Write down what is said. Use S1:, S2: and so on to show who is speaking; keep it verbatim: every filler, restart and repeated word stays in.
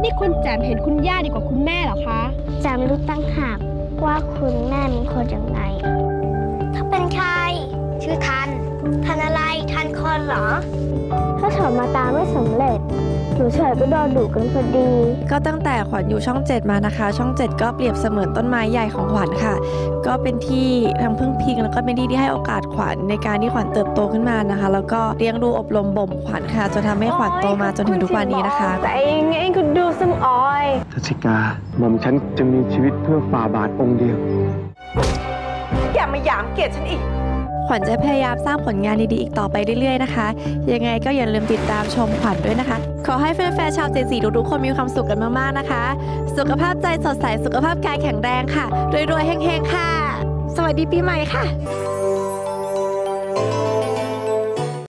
S1: นี่คุณแจมเห็นคุณย่าดีกว่าคุณแม่เหรอคะ
S2: แจมรู้ตั้งหากว่าคุณแม่เป็นคนยังไงถ้าเป็นใครชื่อทันทันอะไรทันคนเหรอถ้าถอนมาตามไม่สำเร็จหนูเฉยก็โดนดุกันพอดี
S3: ก็ตั้งแต่ขวัญอยู่ช่องเจ็ดมานะคะช่องเจ็ดก็เปรียบเสมือนต้นไม้ใหญ่ของขวัญค่ะก็เป็นที่ทั้งพึ่งพิงแล้วก็เป็นที่ที่ให้โอกาสขวัญในการที่ขวัญเติบโตขึ้นมานะคะแล้วก็เลี้ยงดูอบรมบ่มขวัญค่ะจนทำให้ขวัญโตมาจนถึงทุกวันนี้นะคะ
S1: แต่ยังไงคุณดูสมออย
S4: ทัศิกาหม่อมฉันจะมีชีวิตเพื่อฝ่าบาทองค์เดียว
S5: อย่ามาหยามเกียรติฉันอีก
S3: ขวัญจะพยายามสร้างผลงานดีๆอีกต่อไปเรื่อยๆนะคะยังไงก็อย่าลืมติดตามชมขวัญด้วยนะคะขอให้แฟนๆชาวเจสีทุกๆคนมีความสุขกันมากๆนะคะสุขภาพใจสดใสสุขภาพกายแข็งแรงค่ะรวยๆเฮงๆค่ะสวัสดีปีใหม่ค่ะ